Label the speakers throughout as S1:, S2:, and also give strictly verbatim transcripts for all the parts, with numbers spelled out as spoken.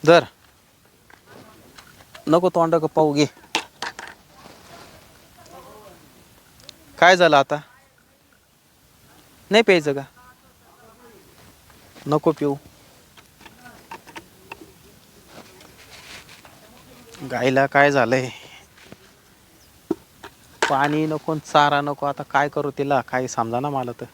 S1: धर. नको तोंड का पाहू घे. काय झालं आता? नाही प्यायचं का? नको पिऊ. गाईला काय झालंय? पाणी नको, चारा नको. आता काय करू तिला? काही समजा ना मला तर.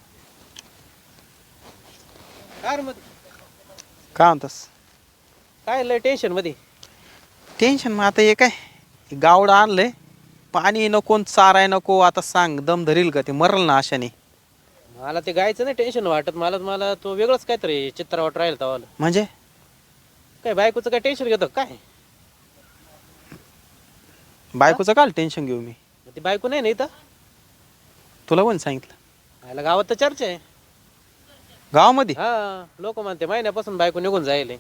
S2: काय रे मग
S1: काय म्हणतस?
S2: काय लय टेन्शन मध्ये?
S1: टेन्शन मग आता हे काय गावड आणलंय, पाणी नको चाराय नको. आता सांग दम धरील का? ते मरल ना अशाने.
S2: मला ते गायचं नाही टेन्शन वाटत. मला मला तो वेगळंच काहीतरी चित्र वाट राहील तवाला.
S1: म्हणजे
S2: काय बायकोचं काय टेन्शन घेतो काय?
S1: बायकोचं काल टेन्शन घेऊ मी?
S2: ती बायको नाही ना इथं?
S1: तुला कोण सांगितलं?
S2: याला गावात तर चर्चा आहे.
S1: गावामध्ये
S2: हा, लोक म्हणते महिन्यापासून बायको निघून जायले.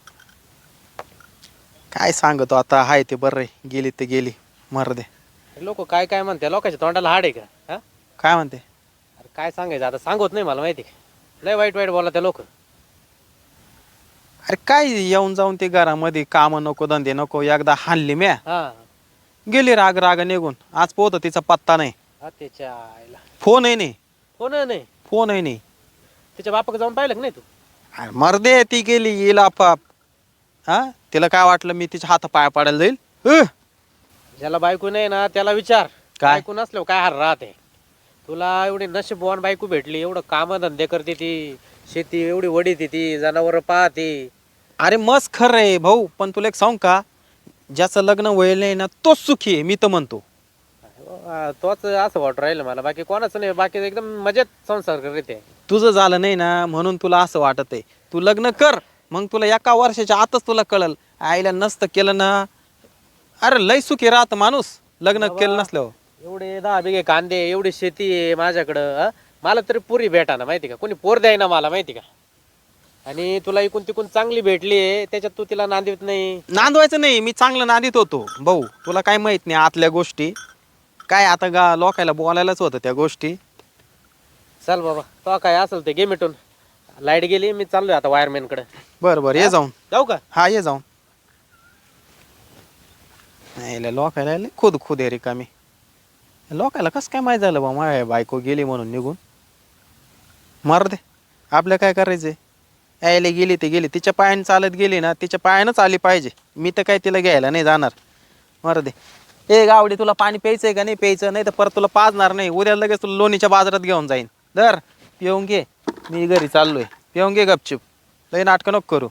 S1: काय सांगतो आता? हाय ते बरं आहे. गेली ते गेली, मर दे.
S2: लोक काय काय म्हणते? लोकांच्या तोंडाला हाड आहे का? हा,
S1: काय म्हणते?
S2: अरे काय सांगायचं आता? सांगत नाही मला माहिती का? लय वाईट वाईट बोला त्या लोक.
S1: अरे काय येऊन जाऊन ते घरामध्ये काम नको, धंदे नको. एकदा हाणली म्या,
S2: हा,
S1: गेली राग राग निघून. आज पोहत तिचा पत्ता नाही,
S2: हा त्याच्या आईला
S1: फोनही नाही.
S2: हो ना, नाही
S1: फोनही नाही.
S2: तिच्या बापाक जाऊन पाहिलं का नाही तू?
S1: अरे मर्दे, ती गेली येईल आपाप. हा, तिला काय वाटलं मी तिच्या हात पाया पाडायला जाईल? अ!
S2: ज्याला बायको नाही ना त्याला विचार.
S1: काय?
S2: बायको नसल्यावर काय हार राहते? तुला एवढी नशीबवान बायको भेटली, एवढं काम धंदे करते ती, शेती एवढी वडीते ती, जनावर पाहते.
S1: अरे मस्त खरं आहे भाऊ, पण तुला एक सांग का? ज्याचं लग्न व्हायला नाही ना तोच सुखी आहे, मी तर म्हणतो.
S2: अं, तोच असं वाटू राहिलं मला. बाकी कोणाचं नाही. बाकी एकदम मजेत संसार करते.
S1: तुझं झालं नाही ना म्हणून तुला असं वाटत आहे. तू लग्न कर, मग तुला एका वर्षाच्या आतच तुला कळल. आईला नसतं केलं ना, अरे लय सुखी राहत माणूस लग्न केलं नसल्यावर.
S2: एवढे दहा बिघे कांदे, एवढी शेती आहे माझ्याकडं. अं? मला तरी पुरी भेटा ना, माहिती का? कोणी पोर द्याय ना मला, माहिती का? आणि तुला इकून तिकून चांगली भेटली आहे, त्याच्यात तू तिला नांदित नाही.
S1: नांदवायचं नाही, मी चांगलं नांदीत होतो भाऊ. तुला काय माहित नाही आतल्या गोष्टी. काय आता गा लोकायला बोलायलाच होतं त्या गोष्टी.
S2: चल बाबा, तो काय असेल ते घे मिटून. लाईट गेली, मी चाललोय आता वायरमॅन कडे.
S1: बरं बरं, ये जाऊन.
S2: जाऊ का?
S1: हा, ये जाऊन. नाही लोकायला लय खुद खुद आहे रिकामी. लोकायला कसं काय माहीत झालं बा माझ्या बायको गेली म्हणून निघून? मर दे, आपल्या काय करायचंय? यायला गेली ते गेली. तिच्या पायाने चालत गेली ना, तिच्या पायानंच आली पाहिजे. मी तर काय तिला घ्यायला नाही जाणार. मर दे. ए गावडी, तुला पाणी प्यायचंय का? नाही प्यायचं नाही तर परत तुला पाजणार नाही. उद्या लगेच तुला लोणीच्या बाजारात घेऊन जाईन. दर पिऊन घे, मी घरी चाललोय. पिऊन घे गपचूप, लय नाटकं नको करू.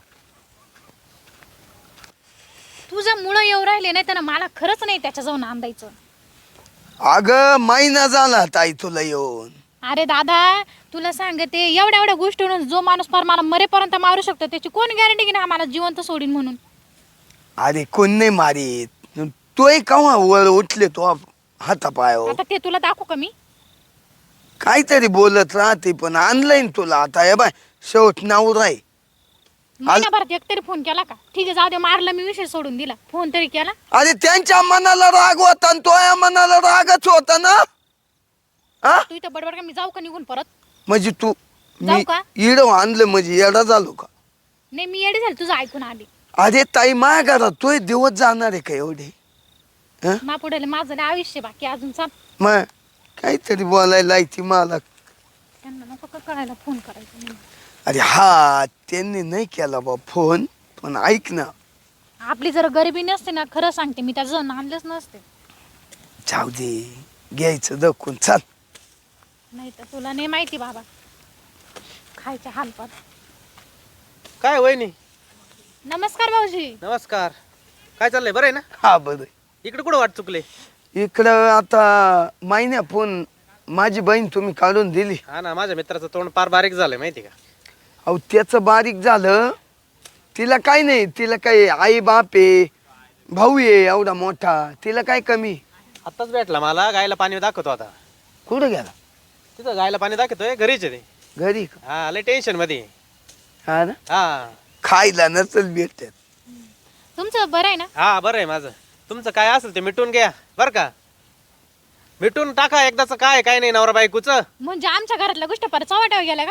S3: तुझ्या मुळे येऊ राहिले नाही तर मला खरंच नाही त्याच्या जाऊन आंदायचं.
S4: अगं महिना झाला ताई तुला येऊन.
S3: अरे दादा, तुला सांगते, एवढ्या एवढ्या गोष्टीवरून जो माणूस फार मला मरेपर्यंत मारू शकतो त्याची कोण गॅरंटी की ना आम्हाला जिवंत सोडीन म्हणून?
S4: अरे कोण नाही मारीत. तोय केव्हा वर उठले तो हातापायावर.
S3: आता ते तुला दाखवू का मी?
S4: काहीतरी बोलत राहते पण ऑनलाईन तुला आता हे बाय शेवट नाव राय.
S3: महिनाभरात एक तरी फोन केला का? ठीक आहे, जाऊ दे, मारला मी, विषय सोडून दिला. फोन तरी केला?
S4: अरे त्यांच्या मनाला राग होता आणि तोया मनाला रागच होता ना. हा,
S3: तू इथं बडबड का? मी जाऊ का निघून परत?
S4: म्हणजे तू
S3: जाऊ
S4: मी
S3: का?
S4: इड आणलं म्हणजे येडा झालो का?
S3: नाही, मी येडी झाली तुझं ऐकून आली.
S4: अरे ताई माझ्या घरात तोय दिवस जाणार आहे का एवढे?
S3: मा पुढे माझं लय आयुष्य बाकी अजून. चाल,
S4: मग काहीतरी बोलायला लायची मला.
S3: त्यांना नको का कळायला फोन करायचा म्हणून.
S4: अरे हा, त्यांनी नाही केला बा फोन, पण ऐक ना.
S3: आपली जर गरिबी नसते ना, खरं सांगते मी, त्याचं जण आणलंच नसते.
S4: जाऊ दे, घ्यायचं दखून चाल.
S3: नाही तर तुला नाही माहिती बाबा, खायच्या हालपात.
S2: काय वहिनी?
S3: नमस्कार भाऊजी.
S2: नमस्कार. काय चाललंय? बरं आहे ना?
S4: हा बरं.
S2: इकडे कुठं वाट चुकले?
S4: इकडं आता महिन्या फोन माझी बहीण तुम्ही काढून दिली.
S2: हा ना, माझ्या मित्राचं तोंड फार बारीक झालंय, माहिती का?
S4: अहो त्याचं बारीक झालं. तिला काय नाही, तिला काय आई बाप आहे, भाऊ आहे एवढा मोठा, तिला काय कमी.
S2: आत्ताच भेटला मला, गायला पाणी दाखवतो आता.
S4: कुठं गेला?
S2: तिथं गायला पाणी दाखवतोय, घरीच आहे ते.
S4: घरी का?
S2: हा, लय टेन्शन मध्ये.
S4: हा ना,
S2: हा
S4: खायला नसल भेटत.
S3: तुमचं बरं आहे ना?
S2: हा, बरं आहे माझं. तुमचं काय असेल ते मिटून घ्या बरं का. मिटून टाका एकदाच. काय काय नाही नवरा बायकोच.
S3: म्हणजे आमच्या घरातल्या गोष्टी परत चव्हाट्यावर गेल्या का?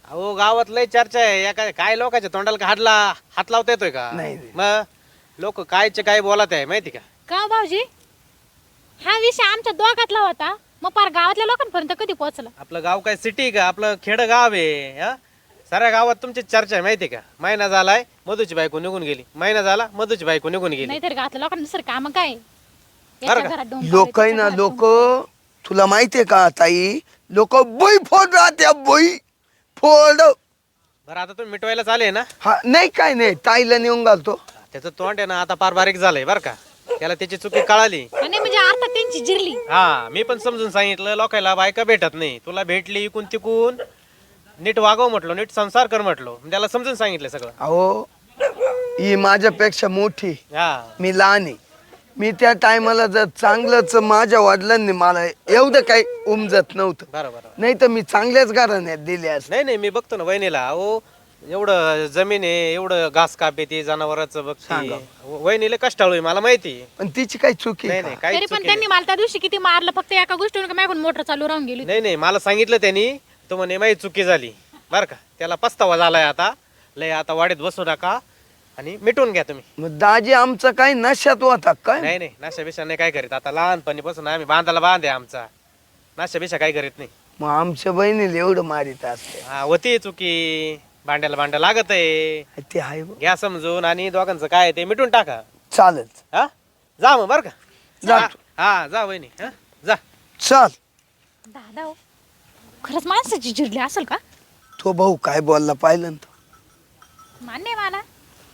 S2: अहो गावात लय चर्चा आहे या काय काय लोकांच्या तोंडाला का हाडला हात लावता येतोय का
S4: नाही, नाही.
S2: मग लोक कायचे काय बोलत आहे माहिती का
S3: का हो भाऊजी हा विषय आमच्या दोघातला होता मग पार गावातल्या लोकांपर्यंत कधी पोहोचला?
S2: आपलं गाव काय सिटी का आपलं खेड गाव आहे हा साऱ्या गावात तुमची चर्चा आहे माहिती का महिना झालाय मधूची बायको निघून गेली महिना झाला मधूची बायको निघून गेली
S3: नाहीतर गावातल्या लोकांना दुसरं काम काय आहे?
S2: बरं
S3: याच्या
S2: का?
S3: घरात डोंब
S4: लोक आहे
S3: पाडले,
S4: ना
S3: त्याच्या
S4: लोक
S3: घरात डोंब
S4: तुला माहितीये का ताई लोक बोई फोड राहत्या बोई फोड.
S2: बरं आता तुम्ही मिटवायला आले ना
S4: हा नाही काय नाही ताईला नेऊन घालतो.
S2: त्याचं तोंड आहे ना आता फार बारीक झालंय बरं का त्याला त्याची चुकी कळाली
S3: पाडले. आणि म्हणजे अर्थात त्यांची जिरली.
S2: हा मी पण समजून सांगितलं लोकांना बायका भेटत नाही तुला भेटली इकून तिकून नीट वागव म्हटलो नीट संसार कर म्हटलो त्याला समजून सांगितलं सगळं
S4: अहो ही माझ्यापेक्षा मोठी
S2: हा
S4: मी लहान आहे. मी त्या टायमाला जर चांगलंच माझ्या वडिलांनी मला एवढं काही उमजत नव्हतं
S2: बरं बरं
S4: नाही तर मी चांगल्याच घराण्यात दिले असते.
S2: नाही नाही मी बघतो ना वहिनीला अहो एवढं जमीन आहे एवढं घास कापे ती जनावरांचं बघते
S4: सांगा.
S2: वहिनीला कष्टाळू आहे मला माहिती आहे.
S4: पण तिची काही चुकी
S2: नाही
S4: आहे
S2: नाही
S4: का?
S2: काही
S3: तरी पण त्यांनी मला त्या दिवशी किती मारलं फक्त एका गोष्टीवर माझ्याकडून मोटर चालू राहून गेली.
S2: नाही नाही मला सांगितलं त्यांनी तो म्हणे माझी चुकी झाली बरं का त्याला पस्तावा झालाय आता लय आता वाडीत बसू नका आणि मिटून घ्या तुम्ही
S4: मग दाजी आमचं काही नशात होता काय?
S2: नाही नाही नाशा बिशा नाही काय करीत आता लहानपणीपासून आम्ही बांधाला बांध आहे आमचा नाशा बिशा काय करीत नाही
S4: मग आमच्या बहिणीला एवढं मारित असते.
S2: हा होती चुकी भांड्याला भांडं लागत आहे
S4: ते आहे बुवा.
S2: घ्या समजून आणि दोघांचं काय आहे ते मिटून टाका
S4: चालेल
S2: हा जा मग बर का
S4: जा.
S2: हा, हा जा वहिनी हा जा
S4: चल.
S3: दादा हो, खरंच माणसाची जिरली असेल का?
S4: तो भाऊ काय बोलला पाहिलं ना तो.
S3: मान्य आहे मला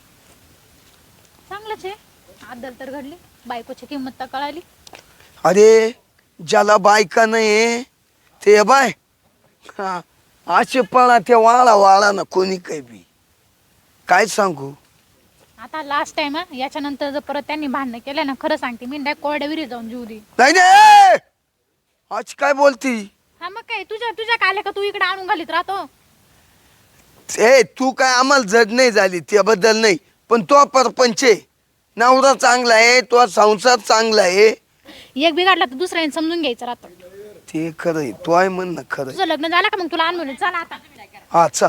S3: चांगलंच आहे आदल तर घडली बायकोची किंमत तर कळाली.
S4: अरे ज्याला बायका नाही ते बाय हा असे पळा ते वाळा वाळा ना कोणी काही बी काय सांगू.
S3: आता लास्ट टाइम हा याच्यानंतर जर परत त्यांनी भांडणं केलं ना खरं सांगते मी डायरेक्ट कोरड्या विहिरीत जाऊन जीव दे.
S4: नाही नाही आज काय बोलती.
S3: हा मग काय तुझ्या तुझ्या काल्या का तू इकडे आणून घालीत राहतो.
S4: ए तू काय आम्हाला जड नाही झाली त्याबद्दल नाही पण तो परपंच आहे. नवरा चांगला आहे तो संसार चांगला आहे.
S3: एक बिघडला तर दुसऱ्याने समजून घ्यायचं राहतं.
S4: ते खरं आहे तो आहे म्हण ना खरं आहे.
S3: तुझं लग्न झालं का मग तुला आणून चला आता.
S4: हा चल.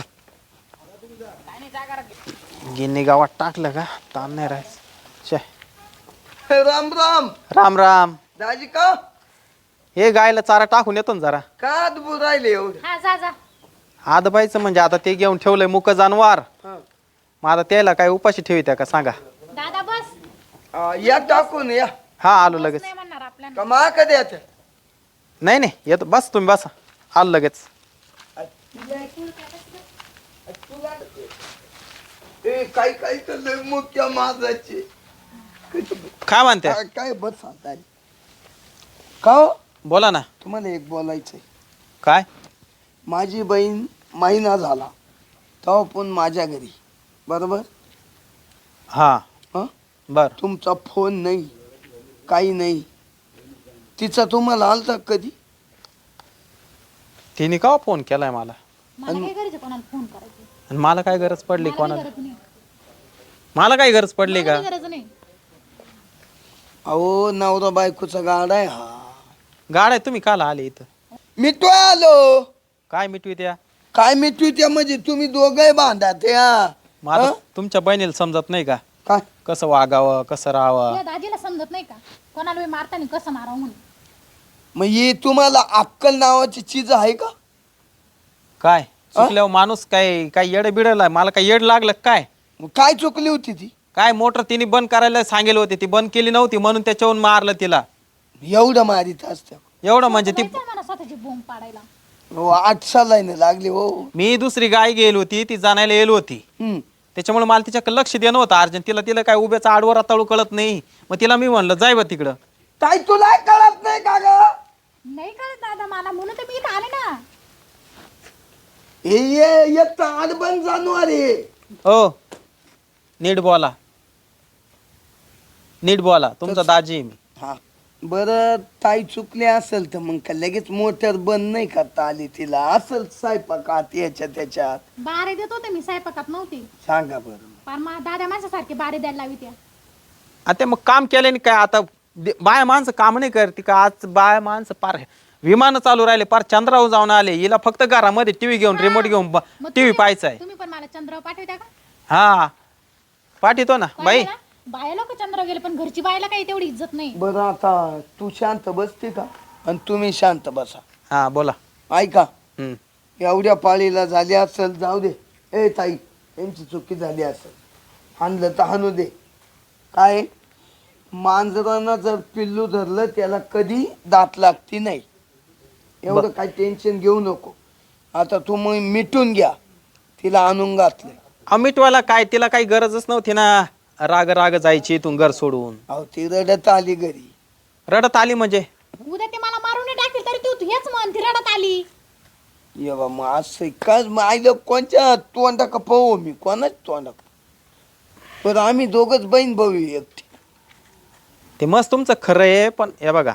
S1: गिन्नी गावात टाकलं का ताण नाही राहायचं. छे
S4: राम राम
S1: राम राम.
S4: दाजी का
S1: हे गायला चारा टाकून येतो ना जरा.
S4: का अद्भुत राहिले एवढं.
S3: हा जा जा.
S1: आदबायचं म्हणजे आता ते घेऊन ठेवलंय मुक जानवार
S4: हा.
S1: मग आता त्याला काय उपाशी ठेवित्या का सांगा.
S3: दादा बस.
S4: आ, या टाकून या
S1: हा आलो लगेच.
S3: नाही म्हणणार आपल्याला.
S4: कमा कधी येते.
S1: नाही नाही येतो बस तुम्ही बसा आलो लगेच.
S4: ए काही काही तर लय मुख्य माझाचे
S1: काय म्हणते
S4: काय बस आता का हो?
S1: बोला ना.
S4: तुम्हाला एक बोलायचंय.
S1: काय
S4: माझी बहीण महिना झाला तेव्हा पण माझ्या घरी बरोबर
S1: हा
S4: हं?
S1: बर
S4: तुमचा फोन नाही काही नाही. तिचा तुम्हाला आलता कधी.
S1: तिने का फोन केलाय मला
S3: मला काय करायचं कोणाला फोन करायचं.
S1: आणि मला काय गरज पडली
S3: मला
S1: कोणाला.
S3: काही गरज नाही.
S1: मला काय गरज पडली
S3: मला
S1: का.
S3: काही गरज नाही.
S4: अहो नवरा बायकोचा गाडा आहे हा.
S1: गाड्या तुम्ही काला आले इथं.
S4: मी तो आलो
S1: काय मिटवी त्या
S4: काय मी तू त्या म्हणजे तुम्ही दोघे बांधा ते हा.
S1: माझं
S4: हं?
S1: तुमच्या बहिणीला समजत नाही का
S4: काय
S1: कसं वागावं कसं राहावं.
S3: तुझ्या दाजीला समजत नाही का कोणाला बी मारताना कसं मारावं म्हणून.
S4: मग ही तुम्हाला अक्कल नावाची चीज आहे का.
S1: काय चुकल्यावर माणूस काय काय येड बिडलाय मला काय येड लागलं काय.
S4: मग काय चुकली होती ती.
S1: काय मोटर तिने बंद करायला सांगेल होती ती बंद केली नव्हती म्हणून त्याच्यावरून मारलं तिला.
S4: एवढं मारित असत्या.
S1: एवढं म्हणजे ती
S3: जायचं मला स्वतःची बोंब पाडायला.
S4: हो आठ सालाने लागली हो.
S1: मी दुसरी गाय गेली होती ती जाण्याला येईल होती
S4: हम्म.
S1: त्याच्यामुळे मला तिच्याकडे लक्ष देणं होतं अर्जंट. तिला तिला काय उभ्याचा आडवर तळू कळत नाही मग तिला मी म्हणलं जाय बा तिकडं.
S4: ताई तुला कळत नाही का ग.
S3: नाही कळत दादा मला म्हणून तर मी इथं आले ना.
S4: हे ये एक तर आडबन जानवर आहे.
S1: हो नीट बोला नीट बोला तुमचा दाजी आहे मी.
S4: हा बरं ताई चुकले असेल तर मग का लगेच मोटर बंद नाही करता आली तिला असेल स्वयंपाकात याच्या त्याच्यात.
S3: बारे देत होते मी स्वयंपाकात नव्हती.
S4: सांगा बरं.
S3: पण मा दादा माझ्यासारखे बारे द्यायला लावी त्या.
S1: आता मग काम केल्याने काय आता दे- बाया माणसं काम नाही करते का आज बाया माणसं पार विमान चालू राहिले पार चंद्रावर जाऊन आले हिला फक्त घरामध्ये टीव्ही घेऊन रिमोट घेऊन
S3: मग
S1: टीव्ही
S3: तुम्ही-
S1: पाहायचा आहे.
S3: तुम्ही पण मला चंद्र पाठवता का
S1: हा पाठवतो ना
S3: काय
S1: बाई
S3: झालं? बाया लोक चंद्र गेले पण घरची बायला काही तेवढी इज्जत नाही.
S4: बरं आता तू शांत बसते का आणि तुम्ही शांत बसा.
S1: हा बोला.
S4: ऐका
S1: हम्म.
S4: एवढ्या पाळीला झाली असेल जाऊ दे. ए ताई यांची चुकी झाली असेल हाणलं तर हाणू दे. काय मांजरानं जर पिल्लू धरलं त्याला कधी दात लागती नाही. एवढं काही टेन्शन घेऊ नको. आता तू मग मिटून घ्या. तिला आणून घातलं.
S1: अहो मिटवायला काय तिला काही गरजच नव्हती ना. राग राग जायची इथून घर सोडून.
S4: अहो ती रडत आली घरी.
S1: रडत आली म्हणजे
S3: उद्या ते मला मारून टाकेल तरी तू हेच म्हण ती रडत आली.
S4: ये बा मग असं काय मग आईलं कोणच्या तोंडा का पाहू मी कोणाच तोंडा पण आम्ही दोघच बहीण भाऊ आहे एकटी.
S1: ते मस्त तुमचं खरं आहे पण हे बघा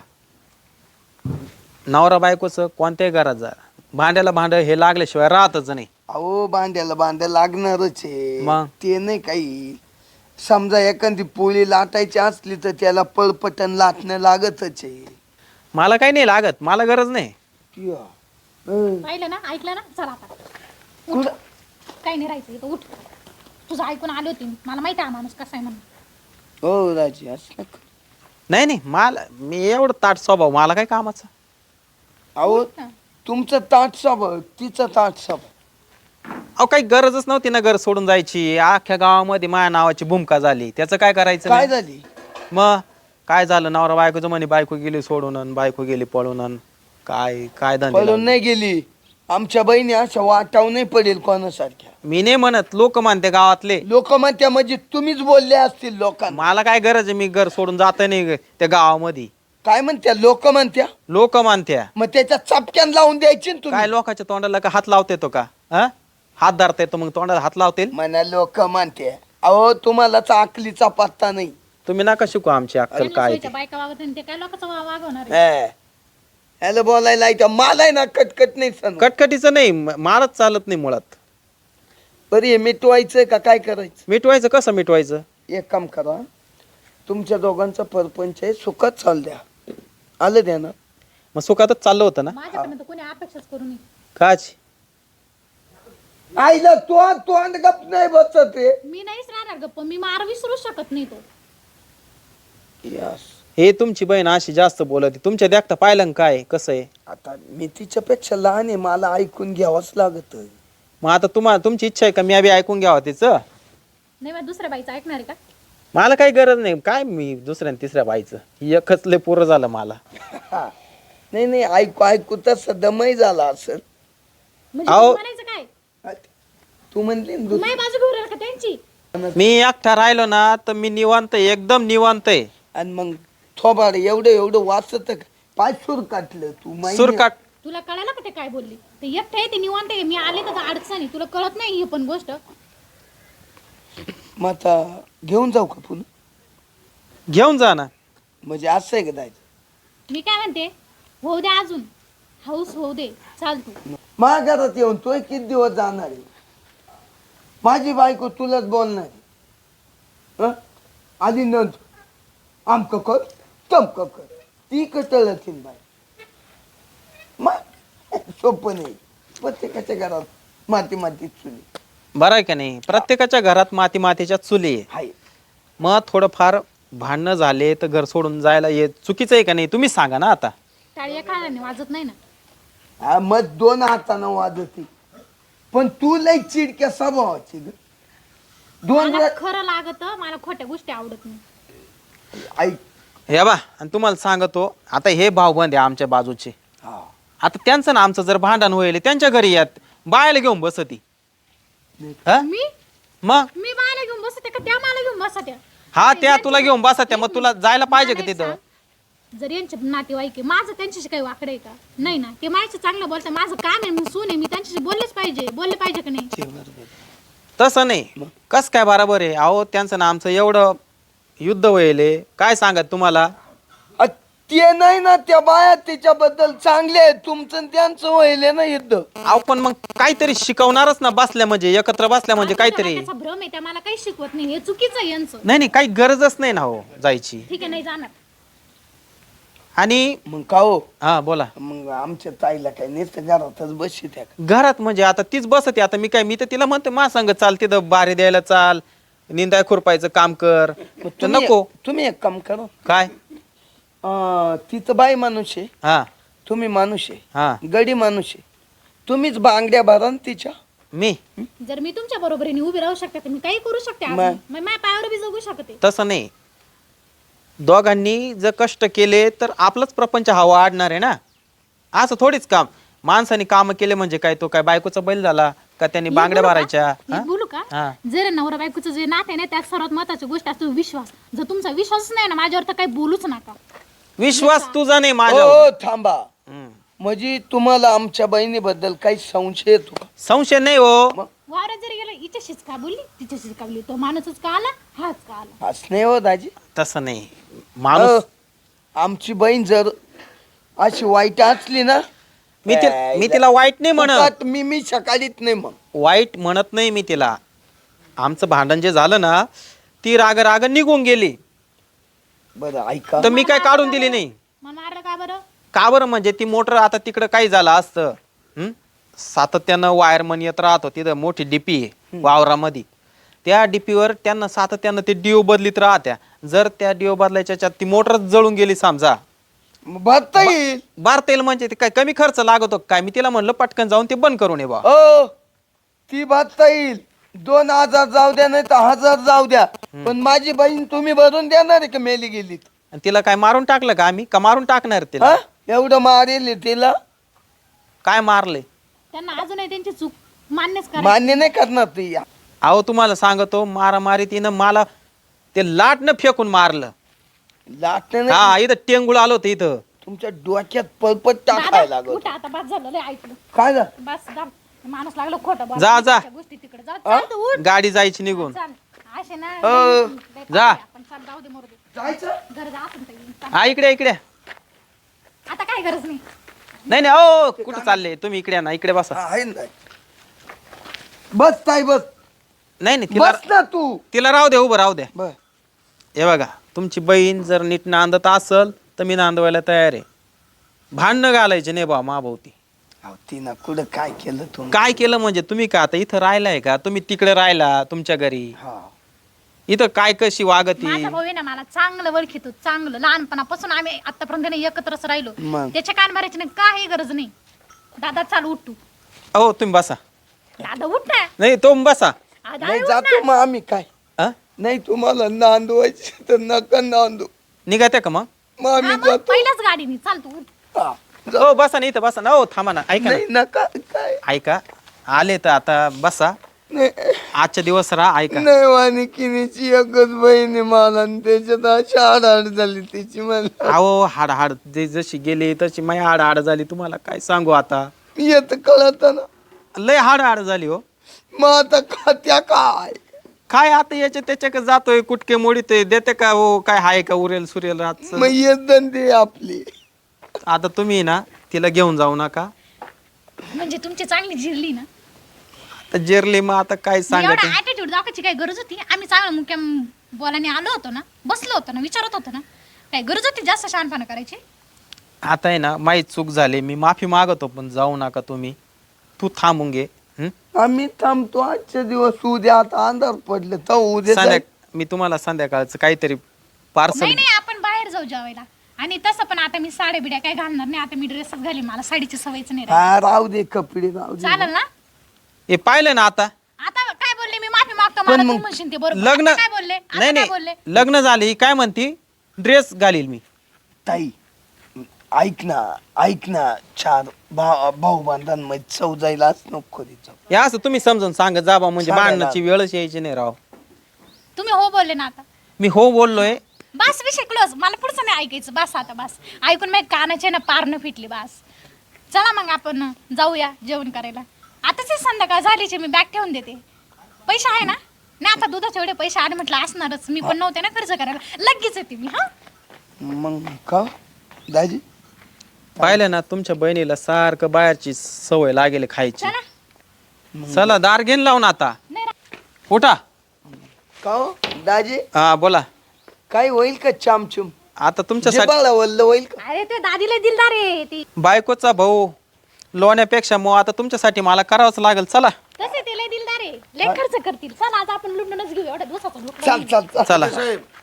S1: नवरा बायकोचं कोणत्याही घरात जा भांड्याला भांड हे लागल्याशिवाय राहतच नाही.
S4: अहो बांड्याला बांड्या लागणारच आहे.
S1: मग?
S4: ते नाही काही समजा एखादी पोळी लाटायची असली तर त्याला पळपटन लाटणं लागतच आहे.
S1: मला काही नाही लागत मला गरज नाही.
S4: या. हं.
S3: पाहिलं ना ऐकलं ना चला आता
S4: कुठं?
S3: काही नाही राहायचं इथं उठ. तुझं ऐकून आले होते मी. मला माहिती आहे हा माणूस कसा आहे म्हणून.
S4: हो राजी असं नका.
S1: नाही नाही मला मी एवढं ताट स्वभाव मला काय कामाचं.
S4: अहो
S3: ना.
S4: तुमचं ताट स्वभाव तिचं ताट स्वभाव.
S1: अहो काही गरजच नव्हती ना घर सोडून जायची. अख्ख्या गावामध्ये माझ्या नावाची भूमिका झाली त्याचं काय करायचं
S4: काय
S1: नाही?
S4: झाली?
S1: मग काय झालं नवरा बायकोचं म्हणे बायको गेली सोडून अन बायको गेली पळून अन काय काय धंदे
S4: पळून
S1: लावले.
S4: नाही गेली. आमच्या बहिणी अशा वाटाव नाही पडेल कोणासारख्या.
S1: मी नाही म्हणत लोक मानते गावातले.
S4: लोक म्हणत्या म्हणजे तुम्हीच बोलले असतील लोकांना.
S1: मला काय गरज आहे मी घर सोडून जात नाही त्या गावामध्ये.
S4: काय म्हणत्या लोक म्हणत्या
S1: लोक मानत्या
S4: मग त्याच्या चपक्यान लावून द्यायची ना तुम्ही.
S1: काय लोकांच्या तोंडाला का हात लावते तो का हा? हात धरता येतो मग तोंडाला हात लावतील.
S4: म्हणा लोक म्हणते अहो तुम्हाला अकलीचा पत्ता नाही.
S1: तुम्ही नका शिकू आमची अक्कल
S3: त्यांना
S1: काय
S3: सोयीच्या
S1: ते.
S3: बायका वागत नाही ते काय लोकांचं वा- वागवणार आहे?
S4: हे. ह्याला बोलायला येतं मला ना कटकट नाही सण.
S1: कटकटीचं नाही म- मारच चालत नाही मुळात.
S4: बरी हे मिटवायचं का काय करायचं?
S1: मिटवायचं कसं मिटवायचं.
S4: एक काम करा तुमच्या दोघांचा परपंच आहे सुखात चाल द्या. आलं द्या ना.
S1: मग सुखातच चाललं होतं ना.
S3: माझ्याकडनं तर कोणी अपेक्षाच करू नये.
S1: काच
S4: आईला तो तोंड गप नाही बसत रे.
S3: मी नाहीच राहणार गप्प. मी मार विसरू शकत नाही तो.
S4: यस.
S1: हे तुमची बहीण अशी जास्त बोलते तुमच्या देखता पाहिलं ना काय कसं आहे.
S4: आता मी तिच्यापेक्षा लहान आहे मला ऐकून घ्यावंच लागत.
S1: मग आता तुम्हाला तुमची इच्छा आहे का मी बी ऐकून घ्यावं तिचं.
S3: नाही मग दुसऱ्या बाईचं ऐकणार आहे का?
S1: मला काही गरज नाही काय मी दुसऱ्या आणि तिसऱ्या बाईचं एकच लय पुरं झालं मला.
S4: नाही नाही ऐकू ऐकू तसं दमही झाला असेल.
S3: म्हणजे
S1: अहो.
S3: तू म्हणायचं काय?
S4: तू म्हणली ना
S3: तू
S4: दुसरं.
S3: माझी बाजू घेऊन राहिला का त्यांची?
S1: मी एकटा राहिलो ना तर मी निवांत आहे, एकदम निवांत आहे.
S4: आणि मग थोबाड एवढं एवढं वाचत पाय सूर काटलं तू माहिती-
S1: सुरकाट
S3: तुला कळालं का ते काय बोलली? ते एकटं आहे ते निवांत आहे. मी आले तर अडचणी तुला कळत नाही ही पण गोष्ट.
S4: मग आता घेऊन जाऊ का पुन्हा?
S1: घेऊन जा ना.
S4: म्हणजे असं आहे का जायचं?
S3: मी काय म्हणते होऊ दे अजून हाऊस होऊ दे चाल तू.
S4: माझ्या घरात येऊन तोय किती दिवस जाणार आहे? माझी बायको तुलाच बोलणार आहे. हं? आधी नंद आमक कर तमक कर ती कटळती बाय. मग सोपं नाही. प्रत्येकाच्या घरात माती माती चुली
S1: बरं आहे का नाही. प्रत्येकाच्या घरात माती मातीच्या चुली आहे.
S4: आहे.
S1: मग थोडंफार भांडणं झाले तर घर सोडून जायला हे चुकीचं आहे का नाही तुम्ही सांगा ना आता.
S3: टाळी एका हाताने वाजत नाही ना.
S4: हा, मग दोन हातानं वाजती पण तू लई चिडक्या स्वभावाची ग. दोन
S3: मला
S4: वेळा-
S3: खरं लागत मला खोट्या गोष्टी आवडत नाही.
S4: ऐक.
S1: हे बा आणि तुम्हाला सांगतो आता हे भाऊबंद आहे आमच्या बाजूचे.
S4: हा.
S1: आता त्यांचं ना आमचं जर भांडण होईल त्यांच्या घरी यात बायला घेऊन बसती. हा?
S3: मी
S1: मग
S3: मी बायला घेऊन बसते का त्या मला घेऊन बसत्या?
S1: हा त्या तुला घेऊन बसत्या मग तुला जायला पाहिजे का
S3: मला एक
S1: तिथं.
S3: सांग, जर यांचे नातेवाईक आहे माझं त्यांच्याशी काही वाकडं आहे का? नाही ना. ते माझ्याशी चांगलं बोलतात. माझं काम आहे मी सून आहे मी त्यांच्याशी बोललेच पाहिजे. बोलले पाहिजे का नाही?
S1: तसं नाही कस काय बरोबर आहे. अहो त्यांचं ना आमचं एवढं युद्ध व्हायले काय सांगत तुम्हाला.
S4: अ, ते नाही ना त्या बाया त्याच्याबद्दल चांगले आहेत. तुमचं आणि त्यांचं व्हायले ना युद्ध.
S1: अहो पण मग काहीतरी शिकवणारच ना बसल्या म्हणजे एकत्र बसल्या म्हणजे
S3: माझ्या
S1: काहीतरी.
S3: त्याचा भ्रम आहे त्या मला काही शिकवत नाही. हे चुकीचं आहे यांचं.
S1: नाही नाही काही गरजच नाही ना हो जायची.
S3: ठीक आहे नाही जाणार.
S1: आणि
S4: मग का हो
S1: हा बोला.
S4: मग आमच्या ताईला काय नुसतं घरातच बसशी त्या
S1: घरात म्हणजे आता तीच बसते. आता मी काय मी तर तिला म्हणते मा संग चाल, तिथं बारी द्यायला चाल, निंदाय खुरपायचं काम कर. तर नको.
S4: तुम्ही एक काम करा
S1: काय
S4: अं, ती तर बाई माणूस आहे,
S1: हा
S4: तुम्ही माणूस
S1: हा
S4: आहे, गडी माणूस आहे, तुम्हीच बांगड्या भरा न तिच्या.
S1: मी
S3: जर मी तुमच्या बरोबरीने उभी राहू शकते तर मी काही करू शकते अजून.
S4: मग?
S3: मग माझ्या पायावर बी जगू शकते.
S1: तसं नाही. दोघांनी जर कष्ट केले तर आपलंच प्रपंच हा वाढणार आहे ना. असं थोडीच काम माणसाने काम केले म्हणजे काय तो काय बायकोचा बैल झाला का त्यांनी
S3: मी
S1: बांगड्या
S3: बोलू का?
S1: भरायच्या.
S3: मी
S1: हा?
S3: बोलू का
S1: हा.
S3: जर नवरा बायकोचं जे नाते आहे ना त्यात सर्वात महत्वाची गोष्ट असतो विश्वास. जर तुमचा विश्वास नाही ना माझ्यावर तर काही बोलूच नका.
S1: विश्वास तुझा नाही
S4: हो
S1: माझ्यावर.
S4: थांबा,
S1: हम्म.
S4: म्हणजे तुम्हाला आमच्या बहिणीबद्दल काही संशय येतो का?
S1: संशय नाही हो.
S4: मग
S3: वावरात जरी गेला हिच्याशीच का बोलली तिच्याशीच का बोलली, तो माणूसच का आला हाच का आला.
S4: असं नाही हो दाजी.
S1: तसं नाही. माणूस
S4: अ, आमची बहीण जर अशी वाईट असली ना
S1: मी ति मी तिला वाईट नाही म्हणत.
S4: फुकट मी मी सकाळीच नाही मग.
S1: वाईट म्हणत नाही मी तिला. आमचं भांडण जे झालं ना ती राग राग निघून गेली
S4: बरं ऐका,
S1: तर मी काय काढून दिली नाही.
S3: मला मारलं का बरं?
S1: का बरं म्हणजे ती मोटर आता तिकडं काही झालं असतं. हं? सातत्यानं वायरमन येत राहतो. तिथं मोठी डीपी आहे वावरामध्ये. त्या डीपीवर त्यांना सातत्यानं ते डिओ बदलीत राहत्या. जर त्या डिओ बदलायच्या ह्याच्यात ती मोटरच जळून गेली समजा,
S4: मग भरता येईल.
S1: बारता येईल म्हणजे ते काय कमी खर्च लागतो काय. मी तिला म्हणलं पटकन जाऊन ते बंद करून ये बा.
S4: हो ती भरता येईल. दोन हजार जाऊ द्या नाही तर हजार जाऊ द्या, पण माझी बहीण तुम्ही भरून देणार आहे का मेली गेली?
S1: आणि तिला काय मारून टाकलं का आम्ही का मारून टाकणार तिला?
S4: हा? एवढं मारेल तिला?
S1: काय मारले?
S3: त्यांना अजूनही त्यांची चूक मान्यच करा.
S4: मान्य नाही करणार ती.
S1: अहो तुम्हाला सांगतो मारामारी तिनं मला ते लाटनं फेकून मारलं.
S4: लागतं नाही.
S1: हा इथं टेंगुळ आलो होतं इथं.
S4: तुमच्या डोक्यात पळपट
S3: दादा,
S4: टाकायला लागत.
S3: उठा आता बस झालं लय ऐकलं.
S4: काय झालं?
S3: बस दाब. माणूस लागलो खोटं बोलायला.
S1: जा, जा.
S3: त्या गोष्टी तिकडे जा. चाल तू, उठ.
S1: गाडी जायची निघून.
S3: चाल. असे ना
S4: अ,
S3: लय- लय
S1: जा.
S3: आपण चाल जाऊ दे मरू दे.
S4: जायचं?
S3: घर जा आपण ताई. चाल.
S1: हा इकडे इकडे.
S3: आता काय गरज नाही.
S1: नाही नाही ओ कुठं चालले तुम्ही? इकडे या ना, इकडे बसा.
S4: हा, आहे ना. बस ताई बस.
S1: नाही नाही तिला
S4: बस ना तू.
S1: तिला राहू द्या, उभं राहू द्या.
S4: बर
S1: हे बघा तुमची बहीण जर नीट नांदत असल तर मी नांदवायला तयार आहे. भांडणं घालायचे नाही बा माभोवती.
S4: अहो, तिनं कुठं काय केलं तुम्ही?
S1: काय केलं म्हणजे तुम्ही का आता इथं राहिलाय का? तुम्ही तिकडे राहिला तुमच्या घरी.
S4: हा
S1: इथं काय कशी वागती?
S3: माझा भाऊ आहे ना मला चांगलं ओळखीतो, चांगलं लहानपणापासून आम्ही आतापर्यंत नाही एकत्रच राहिलो.
S4: मग?
S3: त्याच्या कान मारायची नाही काही गरज नाही. दादा चाल उठ तू.
S1: हो तुम्ही बसा.
S3: दादा उठ ना.
S1: नाही तुम्ही बसा.
S3: दादा
S4: नाही
S3: उठ
S4: जातो
S3: ना.
S4: मग आम्ही. काय
S1: हा?
S4: नाही तुम्हाला नांदवायची तर नका नांदू.
S1: निघात्या का मग?
S4: मग आम्ही
S3: हा, मग
S4: जातो.
S3: पहिल्याच गाडीने चाल तू उठ.
S4: हा,
S1: हो बसा ना इथं बसा ना. हो थांबा ना, ऐका
S4: नाही
S1: ना.
S4: नका. काय
S1: ऐका आले तर आता बसा.
S4: नाही
S1: आजच्या दिवस राहा. ऐका
S4: नाही वानिकिनीची एकच बहीण आहे मला आणि त्याच्यात अशी आडाआड झाली तिची मला.
S1: अहो हाड हाड जे जशी गेली तशी माय हाड हाड झाली. तुम्हाला काय सांगू आता.
S4: येत कळत ना.
S1: लय हाड हाड झाली हो.
S4: मग आता खात्या काय?
S1: काय आता याच्या त्याच्या जातोय कुटके मोडीतोय देते का हो काय हाय का उरेल सुरेल रात.
S4: मग येत धंदे आपली.
S1: आता तुम्ही ना तिला घेऊन जाऊ नका.
S3: म्हणजे तुमची चांगली जिरली ना.
S1: आता जेरली मग आता काय
S3: एवढा
S1: सांगायचं.
S3: ऍटिट्यूड दाखवायची काय गरज होती? आम्ही चांगलं मुक्याम बोलाने आलो होतो ना, बसलो होतो ना, विचारत होतो ना. काय गरज होती जास्त शहाणपणा करायची?
S1: आता आहे ना माही चूक झाली. मी माफी मागतो पण जाऊ नका तुम्ही. तू थांबून घे. हं?
S4: आम्ही थांबतो आजच्या दिवस. उद्या आता अंधार पडले तर उद्या
S1: संध्या
S4: जाय-
S1: मी तुम्हाला संध्याकाळचं काहीतरी पार्सल.
S3: नाही नाही आपण बाहेर जाऊ जेवायला. आणि तसं पण आता मी साड्या बिड्या काय घालणार नाही. आता मी ड्रेसच घालीन. मला साडीची सवयच नाही राहिली.
S4: हा राहू दे कपडे राहू दे.
S3: चालेल ना?
S1: हे पाहिलं ना आता
S3: आता काय बोलले मी? माफी मागतो. मला तू म्हणशील ते बरोबर.
S1: लग्न
S3: आता काय बोलले? आता
S1: नाही
S3: काय बोलले?
S1: नाही लग्न झाले काय म्हणती ड्रेस घालील मी.
S4: ताई ऐक ना ऐक ना. चार भाऊ भाऊ बांधांमध्ये चव जायलाच नको जाऊ.
S1: हे असं तुम्ही समजून सांगत जा बा म्हणजे
S4: सांगायला.
S1: भांडणाची वेळच यायची नाही राव.
S3: तुम्ही हो बोलले ना आता.
S1: मी हो बोललोय.
S3: बस विषय क्लोज. मला पुढचं नाही ऐकायचं. बस आता बस. ऐकून मग कानाचे ना पारणं फिटली. बस चला मग आपण जाऊया जेवण करायला. आताच संध्याकाळ झालीचे. मी बॅग ठेवून देते. पैसे आहे ना? नाही आता दुधाचे एवढे पैसे आले म्हटलं असणारच. मी पण नव्हते ना खर्च करायला. लगेच येते मी. हा
S4: मग का दाजी?
S1: पाहिलं ना तुमच्या बहिणीला सारखं बाहेरची सवय लागेल खायची.
S3: चला.
S1: चला दार घेऊन लावून आता
S3: नाही रा-
S1: उठा.
S4: का हो दाजी?
S1: हा बोला.
S4: काय होईल का चामचूम?
S1: आता तुमच्यासाठी
S4: जिबाळा वल्ल होईल का?
S3: अरे ते दादीला दिलदार आहे ती
S1: बायकोचा भाऊ लोण्यापेक्षा मग आता तुमच्यासाठी मला करावंच लागेल. चला
S3: तसे ते लय दिलदार आहे लय खर्च करतील. चला आज आपण लुटूनच घेऊ एवढ्या दिवसाचं लुटणं
S4: चाल चाल चाल
S1: चला.
S5: साहेब